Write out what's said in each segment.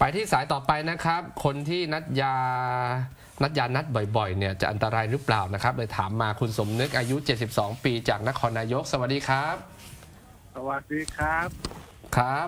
ไปที่สายต่อไปนะครับ คนที่นัดนัดบ่อยๆเนี่ยจะอันตรายหรือเปล่านะครับเลยถามมาคุณสมนึกอายุ72 ปีจากนครนายกสวัสดีครับสวัสดีครับครับ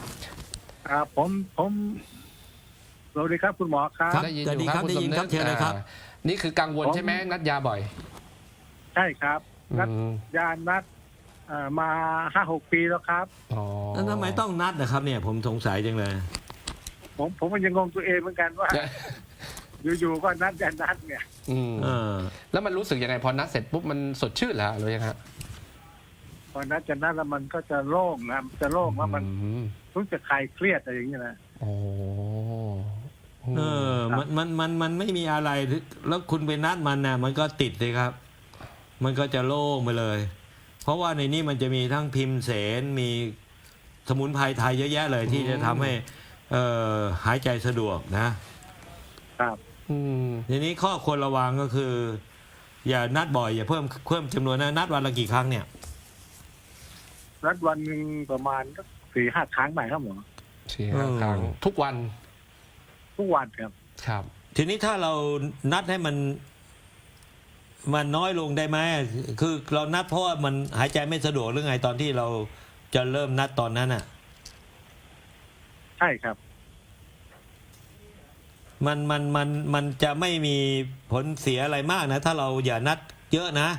ผมสวัสดีครับคุณหมอครับได้ยินอยู่ครับคุณสมนึกเชิญเลยครับนี่คือกังวลใช่ไหมนัดยาบ่อยใช่ครับนัดอืมยานัดมา5-6 ปีแล้วครับอ๋อแล้วทำไมต้องนัดนะครับเนี่ยผมสงสัยจังเลยผมก็ยังงงตัวเองเหมือนกันว่า อยู่ๆก็นัดยานัดเนี่ยอืมเออแล้วมันรู้สึกยังไงพอนัดเสร็จปุ๊บมันสดชื่นเหรอหรือยังฮะพอนัดจะนัดแล้วมันก็จะโล่งนะจะโล่งว่ามันอืมรู้จะคลายเครียดอะไรอย่างเงี้ยนะโอ้เออมันไม่มีอะไรแล้วคุณไปนัดมันน่ะมันก็ติดเลยครับ มันก็จะโล่งไปเลย เพราะว่าในนี้มันจะมีทั้งพิมพ์เสนมีสมุนไพรไทยเยอะแยะเลยที่จะทำให้หายใจสะดวกนะครับอืมทีนี้ข้อควรระวังก็คือ อย่านัดบ่อยอย่าเพิ่มจำนวนนะนัดวันละกี่ครั้งเนี่ยนัดวันหนึ่งประมาณก็4-5 ครั้งไปครับหมอ 4-5 ครั้งทุกวันทุกวันครับครับทีนี้ถ้าเรานัดให้มันน้อยลงได้ไหมคือเรานัดเพราะว่ามันหายใจไม่สะดวกหรือไงตอนที่เราจะเริ่มนัดตอนนั้นอ่ะใช่ครับมันจะไม่มีผลเสียอะไรมากนะ ถ้าเราอย่านัดเยอะนะ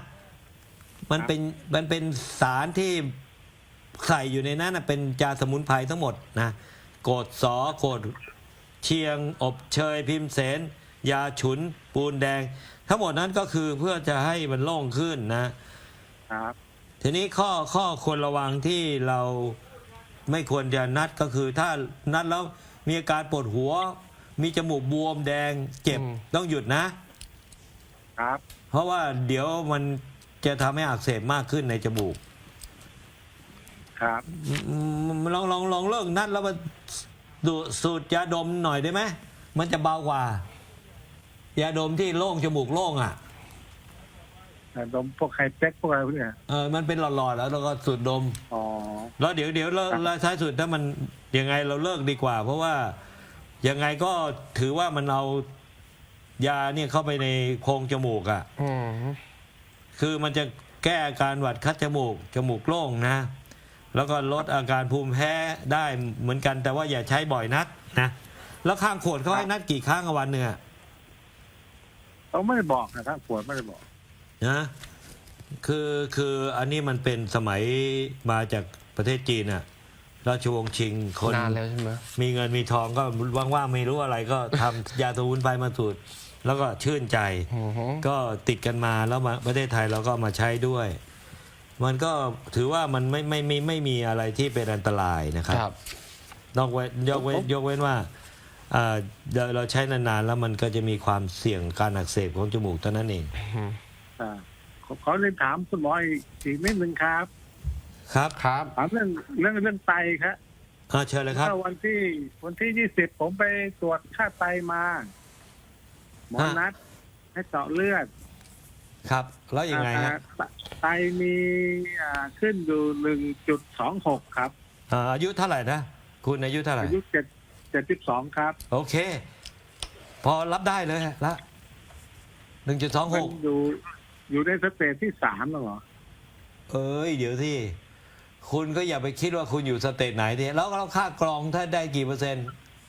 มันเป็นสารที่ใส่อยู่ในนั้นนะเป็นยาสมุนไพรทั้งหมดนะโกดสอโกดเชียงอบเชยพิมเสนยาฉุนปูนแดง ทั้งหมดนั้นก็คือเพื่อจะให้มันโล่งขึ้นนะครับทีนี้ข้อควรระวังที่เราไม่ควรจะนัดก็คือถ้านัดแล้วมีอาการปวดหัว มีจมูกบวมแดงเจ็บต้องหยุดนะครับเพราะว่าเดี๋ยวมันจะทำให้อักเสบมากขึ้นในจมูกครับลองเลิกนัดแล้วมาสูดยาดมหน่อยได้ไหมมันจะเบากว่า ยาดมที่โล่งจมูกโล่งอ่ะดมพวกไฮเจ็คพวกอะไรพวกเนี้ยมันเป็นหลอดๆแล้วเราก็สูดดมอ๋อแล้วเดี๋ยวเราท้ายสุดถ้ามันยังไงเราเลิกดีกว่า เพราะว่ายังไงก็ถือว่ามันเอายาเนี่ยเข้าไปในโพรงจมูกอ่ะอืมคือมันจะแก้อาการหวัดคัดจมูกโล่งนะ แล้วก็ลดอาการภูมิแพ้ได้เหมือนกันแต่ว่าอย่าใช้บ่อยนักนะแล้วข้างขวดเขาให้นัดกี่ครั้งวันหนึ่งอะเขาไม่ได้บอกนะครับปวดไม่ได้บอกนะคืออันนี้มันเป็นสมัยมาจากประเทศจีนอะราชวงศ์ชิงคนนานแล้วใช่ไหมมีเงินมีทองก็ว่างๆไม่รู้อะไรก็ทำ ยาสมุนไพรมาสูตรแล้วก็ชื่นใจอือฮึก็ติดกันมาแล้วมาประเทศไทยเราก็มาใช้ด้วย มันก็ถือว่ามันไม่มีอะไรที่เป็นอันตรายนะครับครับยกเว้นว่าเราใช้นานๆแล้วมันก็จะมีความเสี่ยงการอักเสบของจมูกเท่านั้นเองขอเรียนถามคุณหมออีกนิดนึงครับครับครับถามเรื่องไตครับเชิญเลยครับเมื่อวันที่20ผมไปตรวจค่าไตมา หมอนัดให้เจาะเลือดครับ แล้วยังไงฮะไตมีขึ้นอยู่1.26 ครับอายุเท่าไหร่นะคุณอายุเท่าไหร่อายุ72ครับโอเค พอรับได้เลยละมัน 1.26 อยู่ในสเตจที่3แล้วเหรอเอ้ยเดี๋ยวที่คุณก็อย่าไปคิดว่าคุณอยู่สเตจไหนทีแล้วเราค่ากรองถ้าได้กี่เปอร์เซ็นต์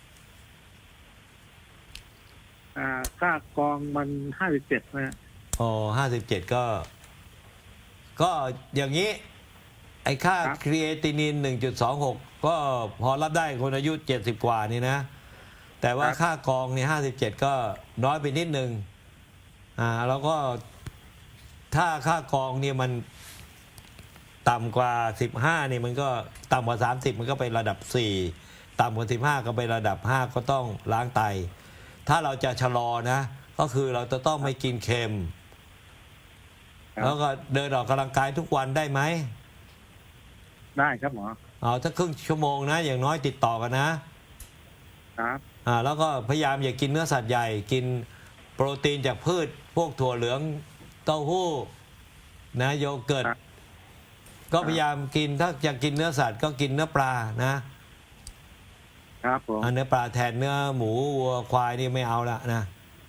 ค่ากองมัน57นะอ๋อ57ก็อย่างนี้ ไอ้ค่าครีเอตินิน 1.26 ก็พอรับได้คนอายุ 70 กว่านี่นะ แต่ว่าค่ากองนี่57 ก็น้อยไปนิดนึงแล้วก็ถ้าค่ากองเนี่ยมันต่ำกว่า 15 นี่มันก็ต่ำกว่า 30 มันก็ไประดับ 4 ต่ำกว่า 15 ก็ไประดับ 5 ก็ต้องล้างไต ถ้าเราจะชะลอนะ ก็คือเราจะต้องไม่กินเค็ม แล้วก็เดินออกกำลังกายทุกวันได้ไหมได้ครับหมอเอาถ้าครึ่งชั่วโมงนะ อย่างน้อยติดต่อกันนะครับ แล้วก็พยายามอย่ากินเนื้อสัตว์ใหญ่ กินโปรตีนจากพืช พวกถั่วเหลืองเต้าหู้นะโยเกิร์ต ก็พยายามกินถ้าอยากกินเนื้อสัตว์ก็กินเนื้อปลานะครับผมเนื้อปลาแทนเนื้อหมูวัวควายนี่ไม่เอาละนะ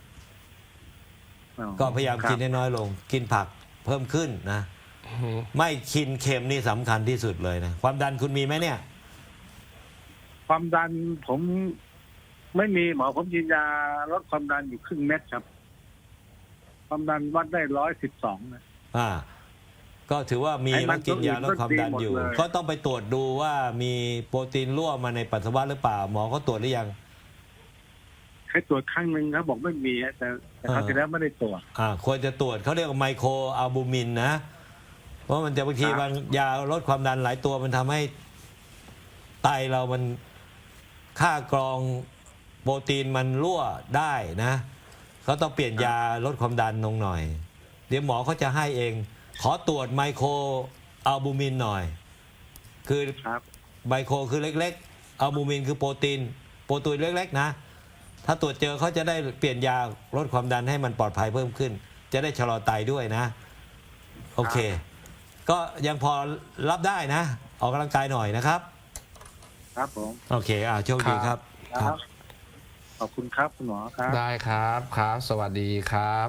ก็พยายามกินให้น้อยลง กินผักเพิ่มขึ้นนะ ไม่กินเค็มนี่สำคัญที่สุดเลยนะความดันคุณมีไหมเนี่ยความดันผมไม่มีหมอผมกินยาลดความดันอยู่ครึ่งเม็ดครับ ความดันวัดได้112นะก็ถือว่ามีไอ้มัแล้วนกินยาลดความดันอยู่ก็ดีหมดเลยก็ต้องไปตรวจดูว่ามีโปรตีนรั่วมาในปัสสาวะหรือเปล่าหมอก็ตรวจหรือยังให้ตรวจครั้งหนึ่งครับบอกไม่มีฮะแต่คราวที่แล้วไม่ได้ตรวจควรจะตรวจเขาเรียกว่าไมโครอัลบูมินนะ เพราะมันจะบางทีครับบางยาลดความดันหลายตัวมันทำให้ไตเรามันค่ากรองโปรตีนมันรั่วได้นะเขาต้องเปลี่ยนยาลดความดันลงหน่อย เดี๋ยวหมอเขาจะให้เอง ขอตรวจไมโครอัลบูมินหน่อย คือครับไมโครคือเล็กๆอัลบูมินคือโปรตีนเล็กๆนะถ้าตรวจเจอเขาจะได้เปลี่ยนยาลดความดันให้มันปลอดภัยเพิ่มขึ้น จะได้ชะลอไตด้วยนะ โอเค ก็ยังพอรับได้นะ ออกกำลังกายหน่อยนะครับครับผมโอเคโชคดีครับครับ ขอบคุณครับคุณหมอครับได้ครับครับ สวัสดีครับ